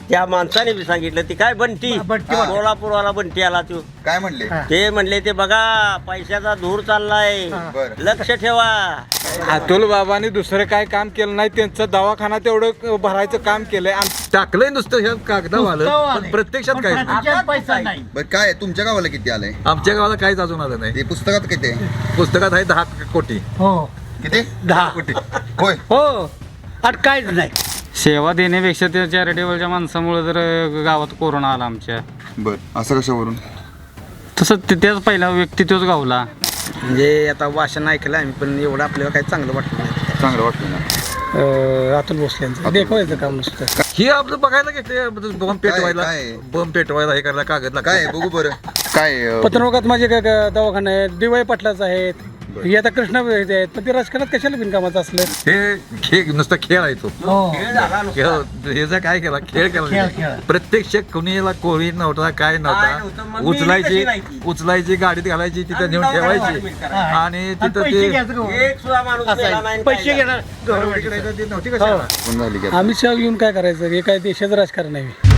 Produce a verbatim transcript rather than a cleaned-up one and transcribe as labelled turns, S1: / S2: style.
S1: त्या माणसाने बी सांगितलं ती काय बंटी
S2: बंटी.
S1: कोल्हापूरवाला बंटी आला तू
S3: काय म्हणले
S1: ते म्हणले ते बघा पैशाचा धूर चाललाय
S3: बर
S1: लक्ष ठेवा.
S4: अतुल बाबांनी दुसरं काय काम केलं नाही, त्यांचं दवाखाना तेवढं भरायचं काम केलंय. टाकलंय नुसतं ह्या कागदावालं, पण प्रत्यक्षात काय
S2: प्रत्यक्षात पैसा नाही.
S3: बर काय तुमच्या गावाला किती आलंय
S4: आमच्या गावाला काहीच अजून आलं नाही.
S3: ते पुस्तकात किती आहे
S4: पुस्तकात आहे दहा कोटी.
S2: हो
S3: किती
S2: दहा
S4: कोटी
S3: होय
S2: हो आणि काहीच नाही.
S5: सेवा देण्यापेक्षा त्या चॅरिटेबलच्या माणसामुळे जर गावात कोरोना आला आमच्या,
S3: बर असं कशावरून
S5: तसं ते- त्याच पहिला व्यक्ती तोच गावला.
S6: म्हणजे आता भाषण ऐकलं आम्ही, पण एवढं आपल्याला काही चांगलं वाटलं नाही.
S3: चांगलं वाटलं ना
S2: अतुल भोसलेंचं देखवायचं काम नसतं.
S4: हे आपलं बघायला घेतले बॉम्ब पेटवायला,
S3: काय?
S4: बॉम्ब पेटवायला हे करायला कागद लागतो.
S3: काय बघू बरं काय अं,
S2: पत्रकात माझे काय काय दवाखाने आहेत, डी वाय पाटलाच आहेत, हे आता कृष्णा वैद्य आहेत, पण ते राजकारणात कशाला बिनकामाचं असलं.
S4: हे खेळ नुसता खेळ आहे तो.
S2: हो
S4: खेळ ह्याचा काय केला खेळ
S2: खेळ,
S4: केला
S2: खेळ.
S4: प्रत्यक्ष कुणीला कोळी नव्हता, काय
S1: काय नव्हतं,
S4: नव्हता.
S1: मग मी
S4: उचलायची
S1: कशी नाही ती?
S4: उचलायची गाडीत घालायची, तिथं नेऊन
S1: आणि
S4: ठेवायची
S1: दवाखान्यात
S4: आणि
S2: आणि
S4: तिथं
S2: पैसे
S4: ते
S2: घ्यायचं का?
S1: एक सुद्धा माणूस मेला नाही आणि
S2: पैसे
S1: काय
S2: घेणार
S4: गव्हर्नमेंटकडे ती नव्हती कशाला.
S3: कोण झाली की
S2: अमित शहा येऊन काय करायचं, हे काय देशाचं राजकारण आहे.